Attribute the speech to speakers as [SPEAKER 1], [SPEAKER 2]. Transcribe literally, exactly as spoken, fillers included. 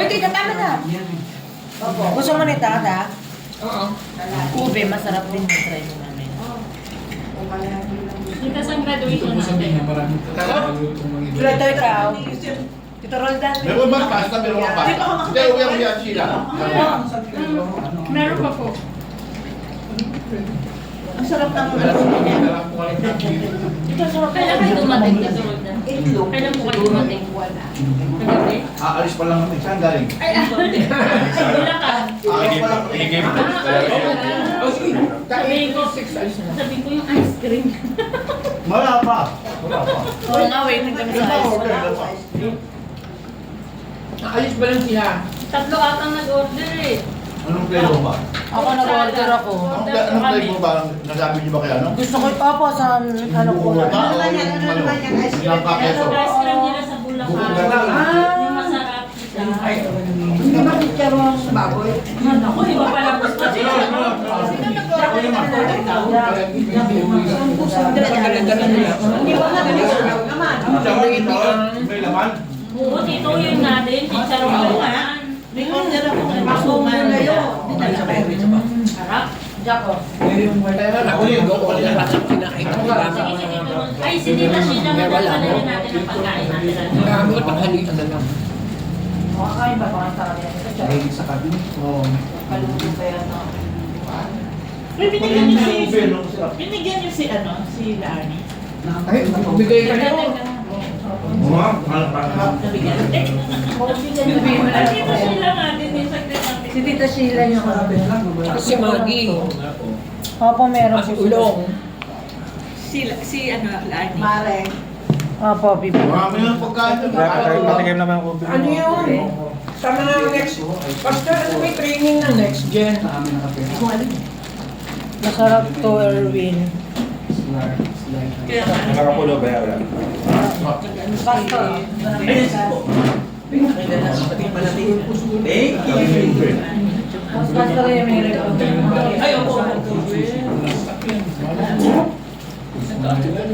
[SPEAKER 1] Uy, tita, tama na. Opo. Gusto mo nito, ta? Oo. Ube, masarap din yung try mo namin.
[SPEAKER 2] Dito sa graduation natin.
[SPEAKER 1] Tulad to ikaw. Tito Roldan.
[SPEAKER 3] Meron ba pasta? Meron ba pasta? Hindi, uwi ako yan sila.
[SPEAKER 2] Meron pa po.
[SPEAKER 1] Ang sarap ng ano niya. Ito sarap.
[SPEAKER 2] Kailan kayo dumating dito, Roldan?
[SPEAKER 1] Itlog.
[SPEAKER 2] Kailan po kayo dumating?
[SPEAKER 1] Wala.
[SPEAKER 2] Kagabi?
[SPEAKER 3] Aalis pa lang kami. Saan galing?
[SPEAKER 2] Ay, ako. Sa Bulacan.
[SPEAKER 3] Aalis pa lang.
[SPEAKER 2] Sabihin ko, sabihin ko yung ice cream.
[SPEAKER 3] Wala pa. Wala pa.
[SPEAKER 1] Oo nga, waiting kami sa ice.
[SPEAKER 4] Naalis ba lang sila?
[SPEAKER 2] Tatlo atang nag-order eh.
[SPEAKER 3] Anong flavor ba?
[SPEAKER 1] Ako nag-order ako.
[SPEAKER 3] Anong, anong flavor ba? Nasabi niyo ba kaya ano?
[SPEAKER 1] Gusto ko ito po sa ano ko.
[SPEAKER 3] Ano naman yan? Ano naman yan? Ilang pa keso?
[SPEAKER 2] Yung ice cream nila sa Bulacan. Yung masarap.
[SPEAKER 1] Hindi ba picture mo sa baboy?
[SPEAKER 2] Ako, iba pala gusto.
[SPEAKER 1] Hindi ba naman?
[SPEAKER 3] May laman?
[SPEAKER 2] Oo, tito yun natin. Chicharon
[SPEAKER 1] Oo
[SPEAKER 2] ko
[SPEAKER 1] nga.
[SPEAKER 2] naman.
[SPEAKER 1] May order ako ng masuman.
[SPEAKER 2] Harap.
[SPEAKER 1] Jaco.
[SPEAKER 4] Ako yung go ko nila. Kinakain ko ba?
[SPEAKER 2] Sige, sige. Ay, si Tita Sheila na nagpapalagay natin ang pagkain natin.
[SPEAKER 4] Gamot ang halitan na lang.
[SPEAKER 1] Makakain ba baka sa kanya?
[SPEAKER 3] Mahilig sa kabi. Oo.
[SPEAKER 1] Kaluto pa yan. no?
[SPEAKER 5] Uy, binigyan niyo si... Binigyan niyo si ano, si Lani.
[SPEAKER 4] Ay, bigay ka niyo.
[SPEAKER 3] Mga, mahal pa.
[SPEAKER 5] Nabigyan. Eh,
[SPEAKER 2] Ay, Tita Sheila natin yung saglit natin.
[SPEAKER 1] Si Tita Sheila yung
[SPEAKER 4] Si Maggie.
[SPEAKER 1] Opo, meron
[SPEAKER 4] Si
[SPEAKER 1] po.
[SPEAKER 4] Ulong.
[SPEAKER 5] si, si ano, Lani.
[SPEAKER 1] Mare. Opo, bibi.
[SPEAKER 3] Marami ng pagkain.
[SPEAKER 6] Patikim naman ako.
[SPEAKER 4] Ano yun? Sa mga next... Basta ano may training na next gen.
[SPEAKER 1] Masarap to, Erwin.
[SPEAKER 5] Kaya nga.
[SPEAKER 6] Nakakapulo ba yan?
[SPEAKER 1] Basta. Basta rin may record.
[SPEAKER 5] Ay, opo.